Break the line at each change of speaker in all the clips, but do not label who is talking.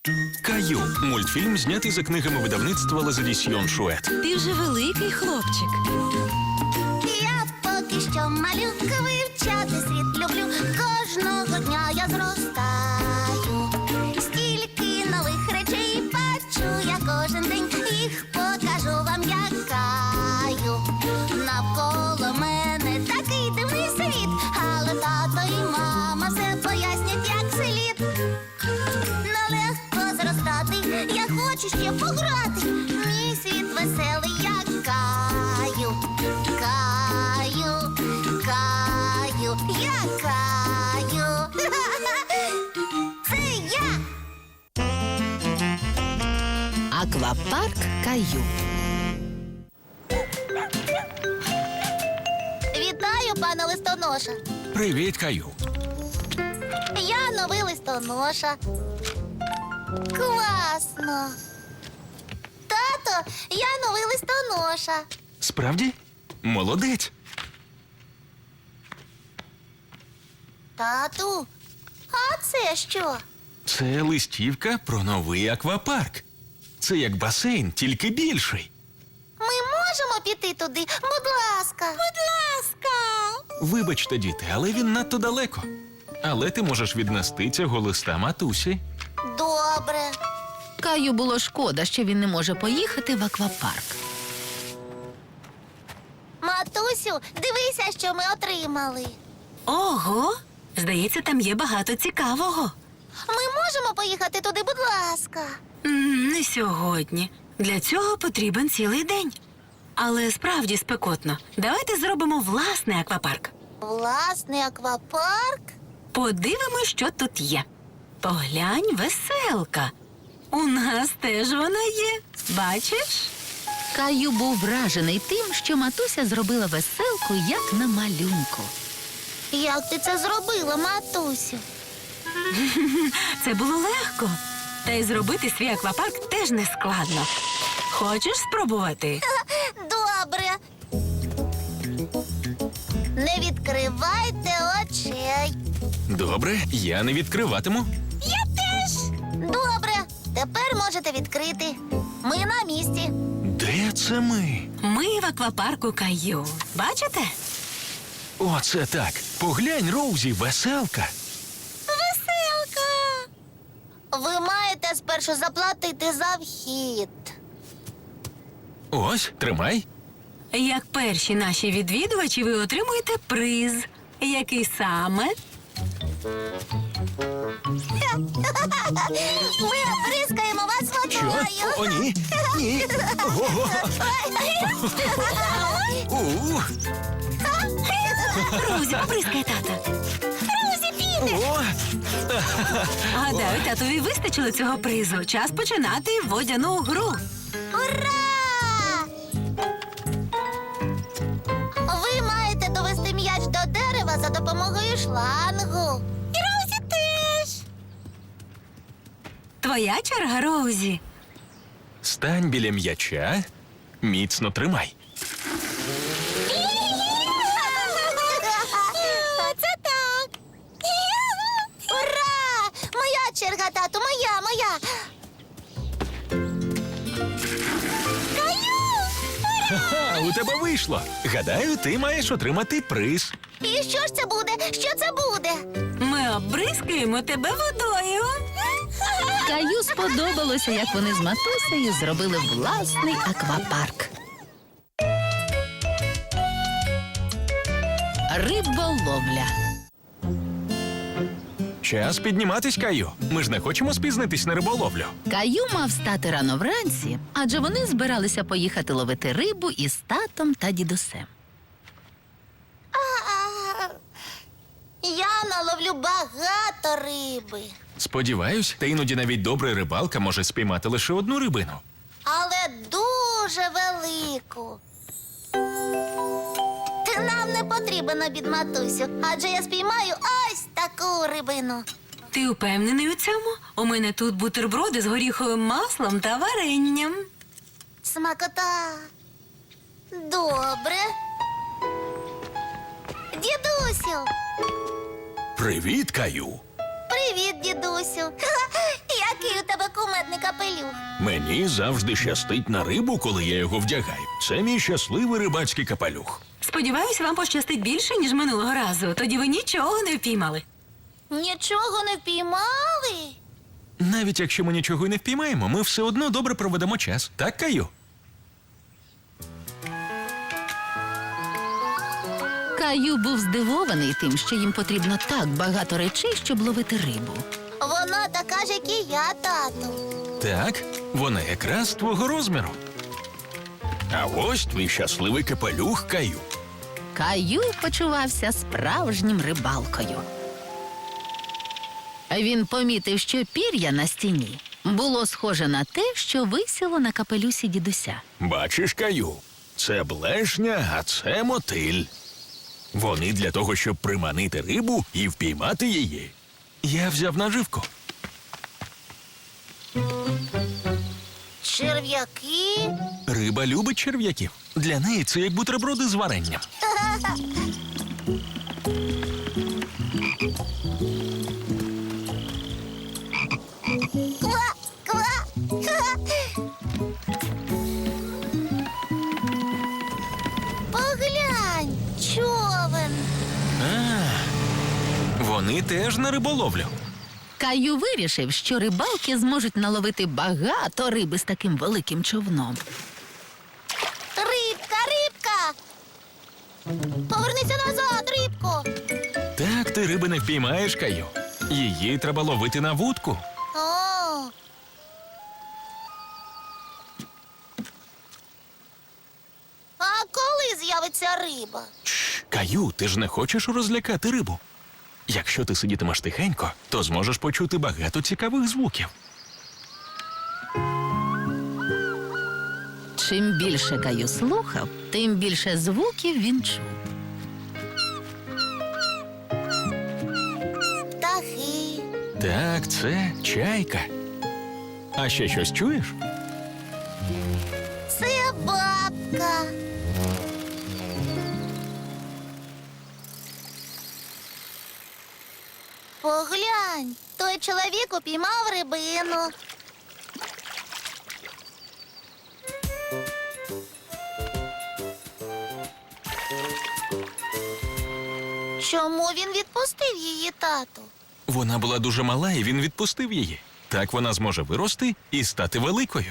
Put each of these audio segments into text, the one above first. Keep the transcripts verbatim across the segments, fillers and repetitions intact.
Каю. Мультфільм знятий за книгами видавництва Лазадісьйон Шует.
Ти вже великий хлопчик.
Я поки що малюка, вивчати світ люблю. Кожного дня я зростаю. Стільки нових речей бачу я кожен день. Їх покажу вам, як Каю. Навколо мене такий дивний світ, але тато і мама все пояснять, як слід. Нелегко зростати, я хочу ще пограти. Мій світ веселий, як Каю. Каю, Каю, я Каю. Це я.
Аквапарк Каю.
Вітаю, пане листоноша.
Привіт, Каю.
Я новий листоноша. Класно. Тато, я новий листоноша.
Справді? Молодець.
Тату, а це що?
Це листівка про новий аквапарк. Це як басейн, тільки більший.
Ми можемо піти туди? Будь ласка. Будь ласка.
Вибачте, діти, але він надто далеко. Але ти можеш віднести цього листа матусі.
Добре.
Каю було шкода, що він не може поїхати в аквапарк.
Матусю, дивися, що ми отримали.
Ого! Здається, там є багато цікавого.
Ми можемо поїхати туди, будь ласка.
М, Не сьогодні. Для цього потрібен цілий день. Але справді спекотно. Давайте зробимо власний аквапарк.
Власний аквапарк?
Подивимось, що тут є. Поглянь, веселка. У нас теж вона є. Бачиш?
Каю був вражений тим, що матуся зробила веселку, як на малюнку.
Як ти це зробила, матусю?
Це було легко. Та й зробити свій аквапарк теж не складно. Хочеш спробувати?
Добре. Не відкривайте очей.
Добре, я не відкриватиму.
Я теж. Добре. Тепер можете відкрити. Ми на місці.
Де це ми?
Ми в аквапарку Каю. Бачите?
Оце так. Поглянь, Роузі, веселка.
Веселка. Ви маєте спершу заплатити за вхід.
Ось, тримай.
Як перші наші відвідувачі, ви отримуєте приз. Який саме?
Ми бризкаємо вас
Що?
водою.
О, ні. Ні. Ого. У.
Розі, поприскай тата.
Друзі, піде.
О.
Гадаю, татові вистачило цього призу. Час починати водяну гру.
Ура! Ви маєте довести м'яч до дерева за допомогою шлангу. І Розі теж.
Твоя черга, Роузі.
Стань біля м'яча. Міцно тримай.
Це так. Ура! Моя черга, тату, моя, моя. Каю!
Ха, у тебе вийшло. Гадаю, ти маєш отримати приз.
І що ж це буде? Що це буде?
Ми обризкаємо тебе водою.
Каю сподобалося, як вони з матусею зробили власний аквапарк. Риболовля.
Час підніматись, Каю. Ми ж не хочемо спізнитись на риболовлю.
Каю мав стати рано вранці, адже вони збиралися поїхати ловити рибу із татом та дідусем.
А, Я наловлю багато риби,
Сподіваюсь, та іноді навіть добра рибалка може спіймати лише одну рибину.
але дуже велику. Ти нам не потрібен обід, матусю, адже я спіймаю ось таку рибину.
Ти впевнений у цьому? У мене тут бутерброди з горіховим маслом та варенням.
Смакота. Добре. Дідусю.
Привіт, Каю.
Привіт, дідусю. Ха-ха, Який у тебе кумедний капелюх.
Мені завжди щастить на рибу, коли я його вдягаю. Це мій щасливий рибацький капелюх.
Сподіваюсь, вам пощастить більше, ніж минулого разу. Тоді ви нічого не впіймали.
Нічого не впіймали?
Навіть якщо ми нічого й не впіймаємо, ми все одно добре проведемо час. Так, Каю?
Каю був здивований тим, що їм потрібно так багато речей, щоб ловити рибу.
Вона така ж, як і я, тату.
Так, вона якраз твого розміру. А ось твій щасливий капелюх, Каю.
Каю почувався справжнім рибалкою. Він помітив, що пір'я на стіні було схоже на те, що висіло на капелюсі дідуся.
Бачиш, Каю, це блешня, а це мотиль. Вони для того, щоб приманити рибу і впіймати її. Я взяв наживку.
Черв'яки?
Риба любить черв'яків. Для неї це як бутерброди з варенням.
Ква, ква. Поглянь, човен.
А, вони теж на риболовлю.
Каю вирішив, що рибалки зможуть наловити багато риби з таким великим човном.
Рибка, рибка. Повернися назад, рибко.
Так ти риби не впіймаєш, Каю. Її треба ловити на вудку.
О. А коли з'явиться риба?
Чш, Каю, ти ж не хочеш розлякати рибу. Якщо ти сидітимеш тихенько, то зможеш почути багато цікавих звуків.
Чим більше Каю слухав, тим більше звуків він чув.
Птахи.
Так, це чайка. А ще щось чуєш?
Це бабка. Поглянь, той чоловік упіймав рибину. Чому він відпустив її, тату?
Вона була дуже мала, і він відпустив її. Так вона зможе вирости і стати великою.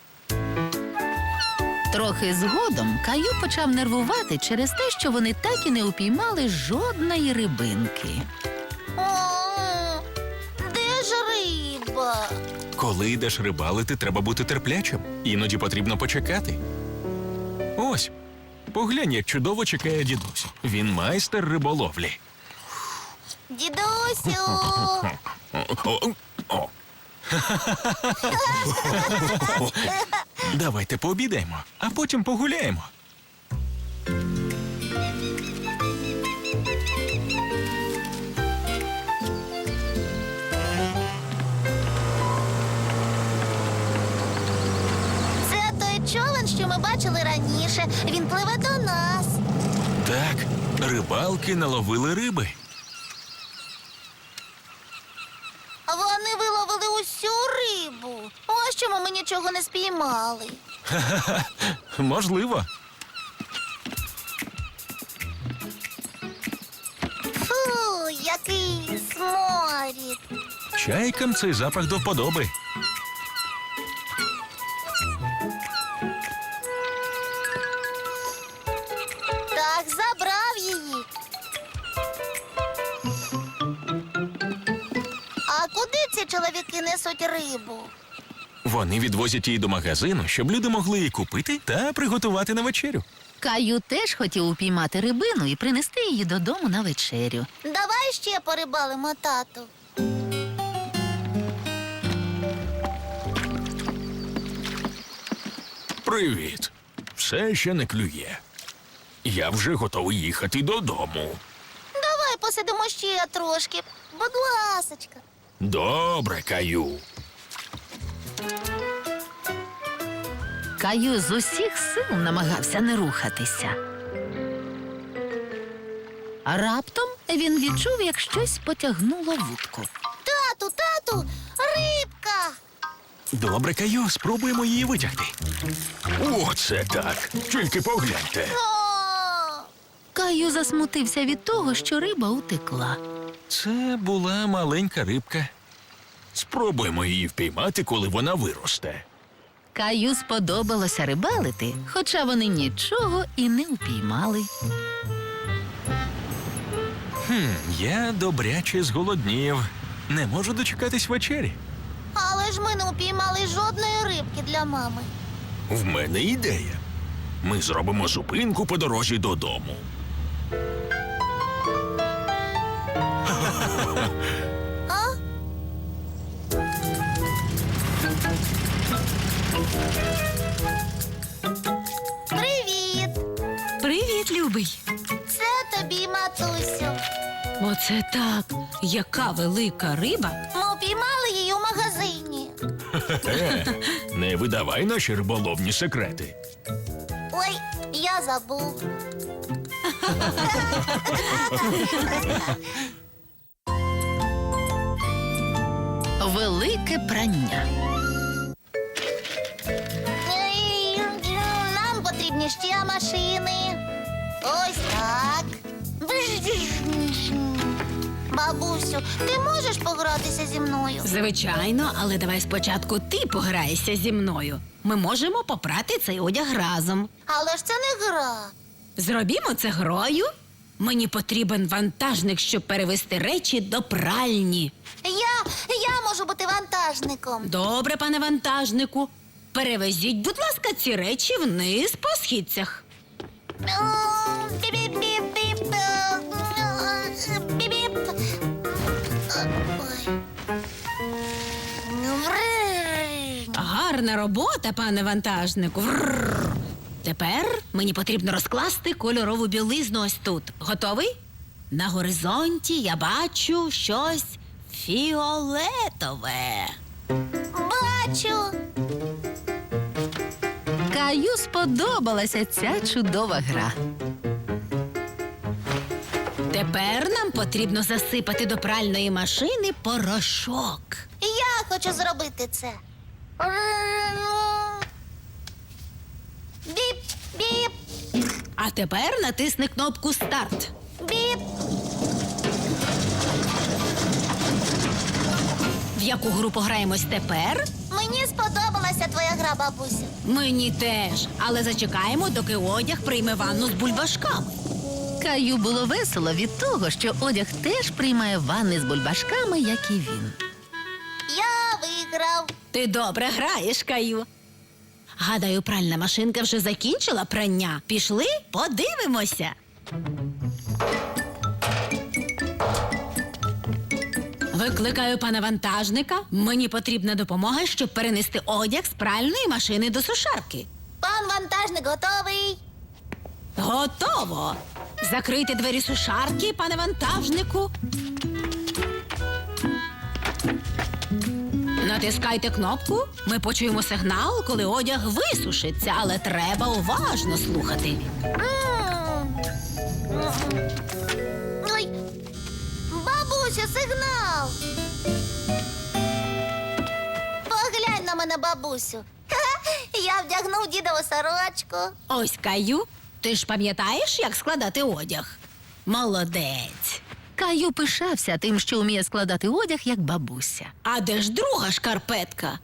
Трохи згодом Каю почав нервувати через те, що вони так і не упіймали жодної рибинки.
О, де ж риба?
Коли йдеш рибалити, треба бути терплячим. Іноді потрібно почекати. Ось, поглянь, як чудово чекає дідусь. Він майстер риболовлі.
Дідусю.
О, о. Давайте пообідаємо, а потім погуляємо.
Це той човен, що ми бачили раніше. Він пливе до нас.
Так, рибалки наловили риби.
Вони виловили усю рибу. Ось чому ми нічого не спіймали.
Можливо.
Фу, який сморід.
Чайкам цей запах до вподоби.
Так, забрав її. А куди ці чоловіки несуть рибу?
Вони відвозять її до магазину, щоб люди могли її купити та приготувати на вечерю.
Каю теж хотів упіймати рибину і принести її додому на вечерю.
Давай ще порибалимо, тату.
Привіт. Все ще не клює. Я вже готовий їхати додому.
Давай посидимо ще трошки. Будь ласочка.
Добре, Каю.
Каю з усіх сил намагався не рухатися. А раптом він відчув, як щось потягнуло вудку.
Тату, тату, рибка.
Добре, Каю, спробуємо її витягти. Оце так. Тільки погляньте.
О!
Каю засмутився від того, що риба утекла.
Це була маленька рибка. Спробуємо її впіймати, коли вона виросте.
Каю сподобалося рибалити, хоча вони нічого і не упіймали.
Хм, я добряче зголоднів. Не можу дочекатись вечері.
Але ж ми не упіймали жодної рибки для мами.
В мене ідея. Ми зробимо зупинку по дорозі додому.
А? Привіт!
Привіт, любий.
Це тобі, матусю.
Оце так. Яка велика риба.
Ми упіймали її у магазині.
Е, не видавай наші риболовні секрети.
Ой, я забув.
Велике прання.
Ей, Нам потрібні ще машини. Ось так. Бабусю, ти можеш погратися зі мною?
Звичайно, але давай спочатку ти пограєшся зі мною. Ми можемо попрати цей одяг разом.
Але ж це не гра.
Зробімо це грою. Мені потрібен вантажник, щоб перевезти речі до пральні.
Я, я можу бути вантажником.
Добре, пане вантажнику. Перевезіть, будь ласка, ці речі вниз по східцях.
Біп-біп-біп-біп. Біп-біп. Ой. Врррр.
Гарна робота, пане вантажнику. Врррр. Тепер мені потрібно розкласти кольорову білизну ось тут. Готовий? На горизонті я бачу щось фіолетове.
Бачу.
Каю сподобалася ця чудова гра.
Тепер нам потрібно засипати до пральної машини порошок.
Я хочу зробити це. Біп, біп,
А тепер натисни кнопку «Старт».
біп.
В яку гру пограємось тепер?
Мені сподобалася твоя гра, бабуся.
Мені теж. Але зачекаємо, доки одяг прийме ванну з бульбашками.
Каю було весело від того, що одяг теж приймає ванни з бульбашками, як і він.
Я виграв.
Ти добре граєш, Каю. Гадаю, пральна машинка вже закінчила прання. Пішли, подивимося. Викликаю пана вантажника. Мені потрібна допомога, щоб перенести одяг з пральної машини до сушарки.
Пан вантажник готовий.
Готово. Закрийте двері сушарки, пане вантажнику. Натискайте кнопку. Ми почуємо сигнал, коли одяг висушиться, але треба уважно слухати.
М. Ой. Бабуся, сигнал. Поглянь на мене, бабусю. Ха-ха, я вдягнув дідову сорочку.
Ось, Каю, ти ж пам'ятаєш, як складати одяг? Молодець.
Каю пишався тим, що вміє складати одяг, як бабуся.
А де ж друга шкарпетка?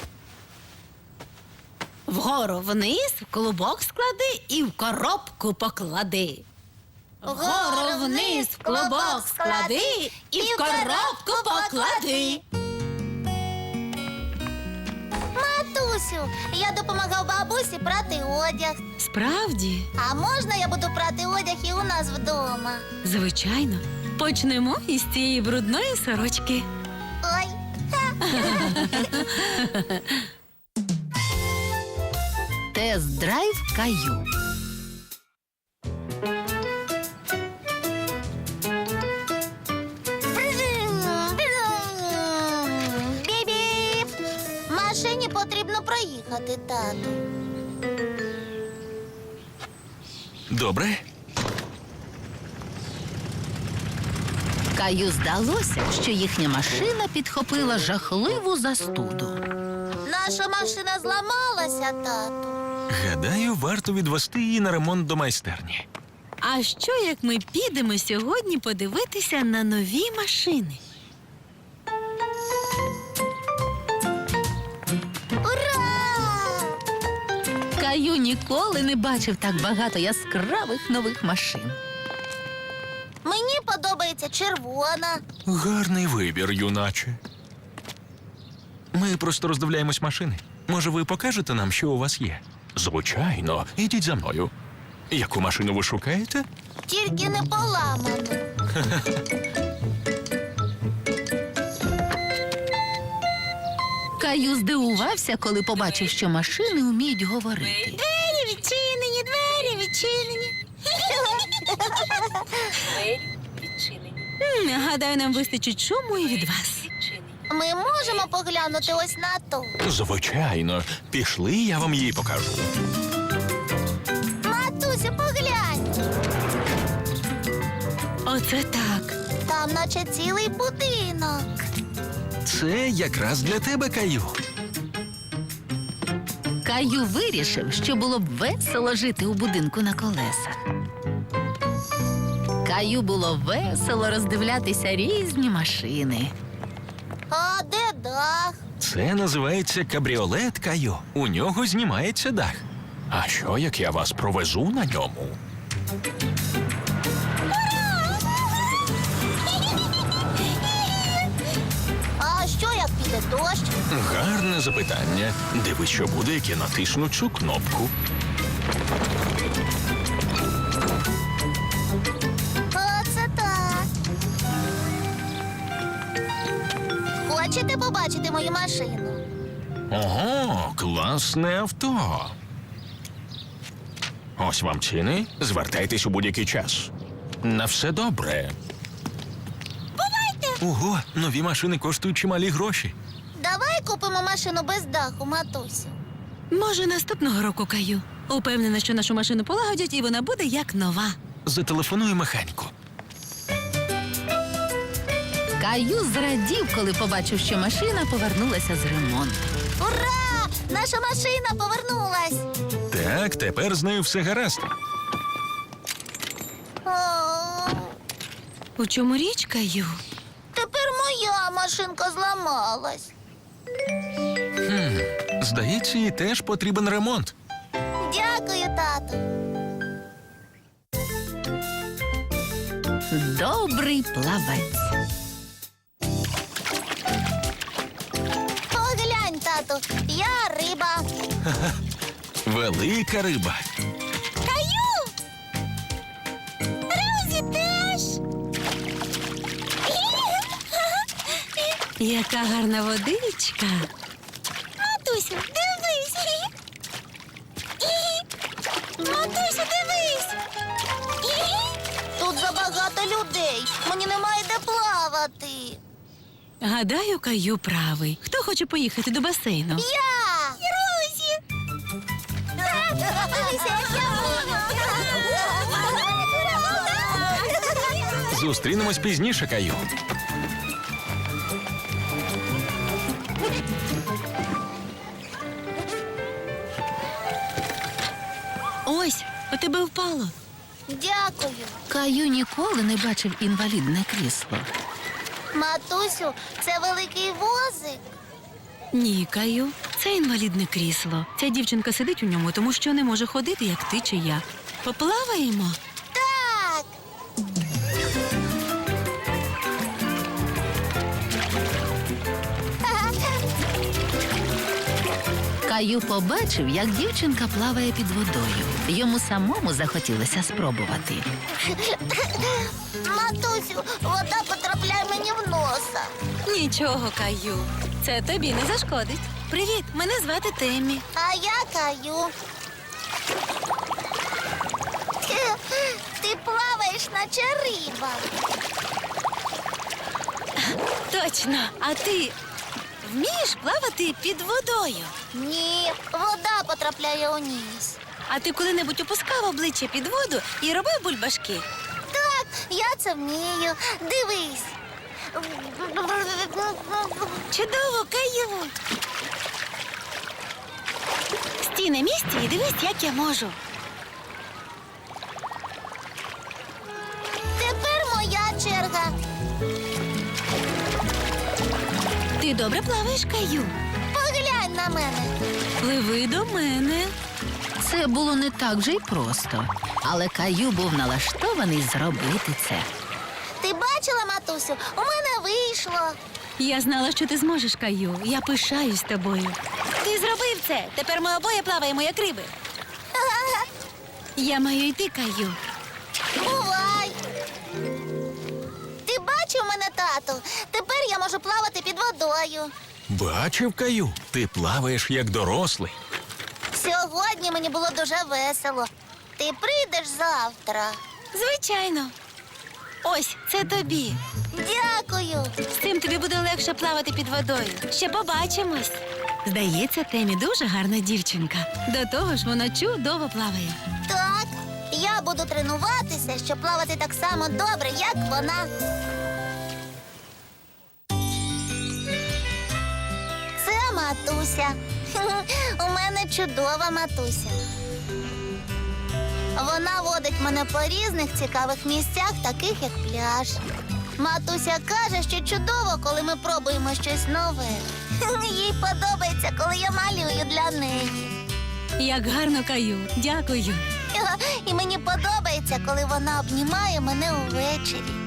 Вгору вниз, в клубок склади і в коробку поклади. Вгору вниз, в клубок склади і в коробку поклади.
Матусю, я допомагав бабусі прати одяг.
Справді,
А можна я буду прати одяг і у нас вдома?
звичайно. Почнемо із цієї брудної сорочки.
Ой.
Тест-драйв Каю.
Біп-біп. Машині потрібно проїхати, тату.
Добре?
Каю здалося, що їхня машина підхопила жахливу застуду.
Наша машина зламалася, тату.
Гадаю, варто відвести її на ремонт до майстерні.
А що, як ми підемо сьогодні подивитися на нові машини?
Ура!
Каю ніколи не бачив так багато яскравих нових машин.
Мені подобається червона.
Гарний вибір, юначе. Ми просто роздивляємось машини. Може, ви покажете нам, що у вас є? Звичайно, ідіть за мною. Яку машину ви шукаєте?
Тільки не поламану.
Каю здивувався, коли побачив, що машини вміють говорити.
Двері відчинені, двері відчинені. М, Гадаю, нам вистачить шуму і від вас.
Ми можемо поглянути ось на ту.
Звичайно. Пішли, я вам її покажу.
Матусю, поглянь.
Оце так.
Там наче цілий будинок.
Це якраз для тебе, Каю.
Каю вирішив, що було б весело жити у будинку на колесах. Каю було весело роздивлятися різні машини.
А де дах?
Це називається кабріолет, Каю. У нього знімається дах. А що, як я вас провезу на ньому?
А що, як піде дощ?
Гарне запитання. Дивись, що буде, як я натисну цю кнопку.
Оце так. Хочете побачити мою машину?
Ого, класне авто. Ось вам ціни. Звертайтесь у будь-який час. На все добре.
Бувайте!
Ого, нові машини коштують чималі гроші.
Давай купимо машину без даху, матусю.
Може, наступного року, Каю. Упевнена, що нашу машину полагодять, і вона буде як нова.
Зателефоную механіку.
Каю зрадів, коли побачив, що машина повернулася з ремонту.
Ура! Наша машина повернулась.
Так, тепер з нею все гаразд.
О,
У чому річ, Каю?
тепер моя машинка зламалась.
Здається, їй теж потрібен ремонт.
Дякую, тату.
Добрий плавець.
Поглянь, тату, я риба.
Велика риба.
Каю! Розі теж.
Яка гарна водичка.
Матусю, дивись. Матусю, дивись. Тут забагато людей. Мені немає де плавати.
Гадаю, Каю правий. Хто хоче поїхати до басейну?
Я! Розі! Дивися, як я можу.
Зустрінемось пізніше, Каю.
Ось, у тебе впало.
Дякую.
Каю ніколи не бачив інвалідне крісло.
Матусю, це великий возик.
Ні, Каю, це інвалідне крісло. Ця дівчинка сидить у ньому, тому що не може ходити, як ти чи я. Поплаваємо?
Так.
Каю побачив, як дівчинка плаває під водою. Йому самому захотілося спробувати.
Матусю, вода потрапляє мені в носа.
Нічого, Каю. Це тобі не зашкодить. Привіт, мене звати Теммі.
А я Каю. Ти плаваєш, наче риба.
Точно. А ти вмієш плавати під водою?
Ні, вода потрапляє у ніс.
А ти коли-небудь опускав обличчя під воду і робив бульбашки?
Так, я це вмію. Дивись.
Чудово, Каю. Стій на місці і дивись, як я можу.
Тепер моя черга.
Ти добре плаваєш, Каю.
Поглянь на мене.
Пливи до мене.
Це було не так вже й просто, але Каю був налаштований зробити це.
Ти бачила, матусю? У мене вийшло.
Я знала, що ти зможеш, Каю. Я пишаюсь тобою. Ти зробив це. Тепер ми обоє плаваємо, як риби. Я маю йти, Каю.
Бувай. Ти бачив мене, тату? Тепер я можу плавати під водою.
Бачив, Каю, ти плаваєш як дорослий.
Сьогодні мені було дуже весело. Ти прийдеш завтра.
Звичайно. Ось, це тобі.
Дякую.
З цим тобі буде легше плавати під водою. Ще побачимось. Здається, Темі дуже гарна дівчинка. До того ж, вона чудово плаває.
Так, я буду тренуватися, щоб плавати так само добре, як вона. Це матуся. У мене чудова матуся. Вона водить мене по різних цікавих місцях, таких як пляж. Матуся каже, що чудово, коли ми пробуємо щось нове. Їй подобається, коли я малюю для неї.
Як гарно, Каю. Дякую.
І мені подобається, коли вона обнімає мене увечері.